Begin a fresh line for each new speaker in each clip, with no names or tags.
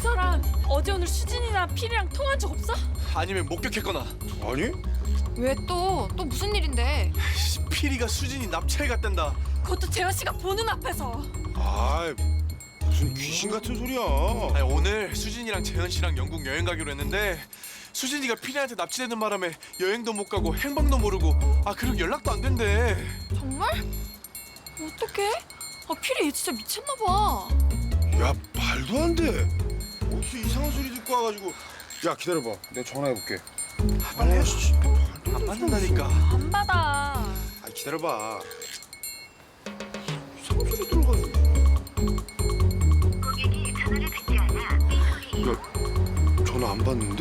사람 어제 오늘 수진이나 필이랑 통화한 적 없어?
아니면 목격했거나.
아니?
왜 또 무슨 일인데?
필이가 수진이 납치해 갔단다.
그것도 재현 씨가 보는 앞에서.
아, 무슨 귀신 같은 소리야.
아니, 오늘 수진이랑 재현 씨랑 영국 여행 가기로 했는데 수진이가 필이한테 납치되는 바람에 여행도 못 가고 행방도 모르고 그리고 연락도 안 된대.
정말? 어떡해? 필이 얘 진짜 미쳤나 봐.
야, 말도 안 돼. 어디서 이상한 소리 듣고 와가지고. 야, 기다려봐. 내가 전화해볼게.
빨리 해.
씨, 말도
안 받는다니까.
안 받아.
기다려봐. 이상한 소리 들어가지고.
고객이 전화를 받지 않아 삐소리.
야, 전화 안 받는데?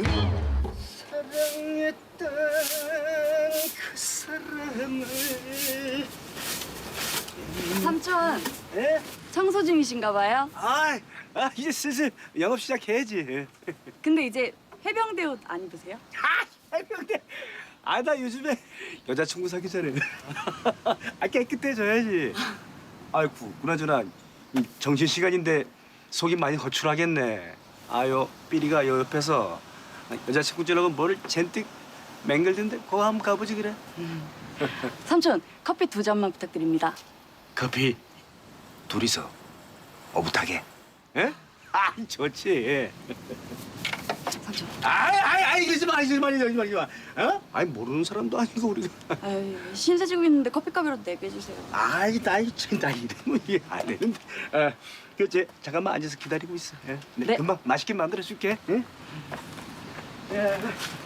사랑했던 그 사람을.
삼촌,
예?
청소 중이신가 봐요.
이제 슬슬 영업 시작해야지.
근데 이제 해병대 옷 안 입으세요?
해병대. 나 요즘에 여자친구 사귀 전에 깨끗해져야지. 아이고, 그나저나 정신 시간인데 속이 많이 거출하겠네. 삐리가 요 옆에서 여자친구 주려고 뭐를 잔뜩 맹글던데 그거 한번 가보지 그래.
삼촌, 커피 2잔만 부탁드립니다.
커피 둘이서 오붓하게. 예? 좋지.
삼촌.
이러지 마. 어? 모르는 사람도 아니고 우리가.
아유, 신세 지고 있는데 커피값이라도 내게 해주세요.
나 이러면 이게 안 되는데. 잠깐만 앉아서 기다리고 있어. 예?
네.
금방 맛있게 만들어줄게. 응? 예.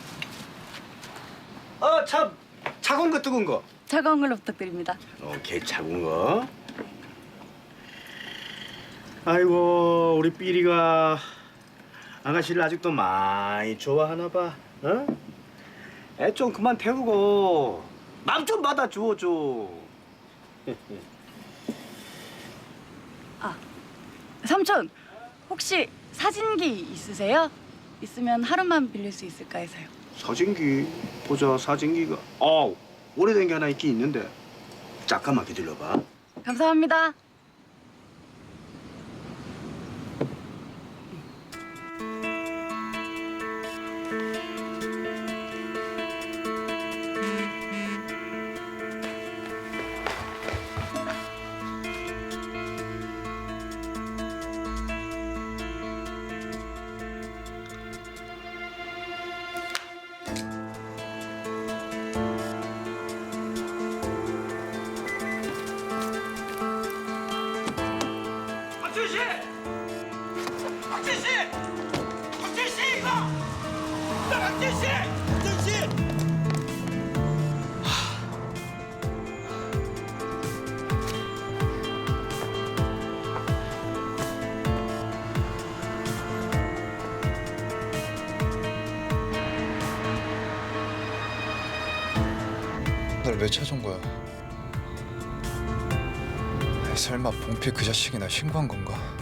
참 차가운 거 뜨거운 거.
차가운 걸로 부탁드립니다.
오케이, 차가운 거. 아이고, 우리 삐리가 아가씨를 아직도 많이 좋아하나 봐. 어? 애 좀 그만 태우고 맘 좀 받아줘 줘.
삼촌, 혹시 사진기 있으세요? 있으면 하루만 빌릴 수 있을까 해서요.
사진기 보자. 사진기가 오래된 게 하나 있긴 있는데 잠깐만 기다려봐.
감사합니다.
날 왜 찾아온 거야? 설마 봉필 그 자식이 날 신고한 건가?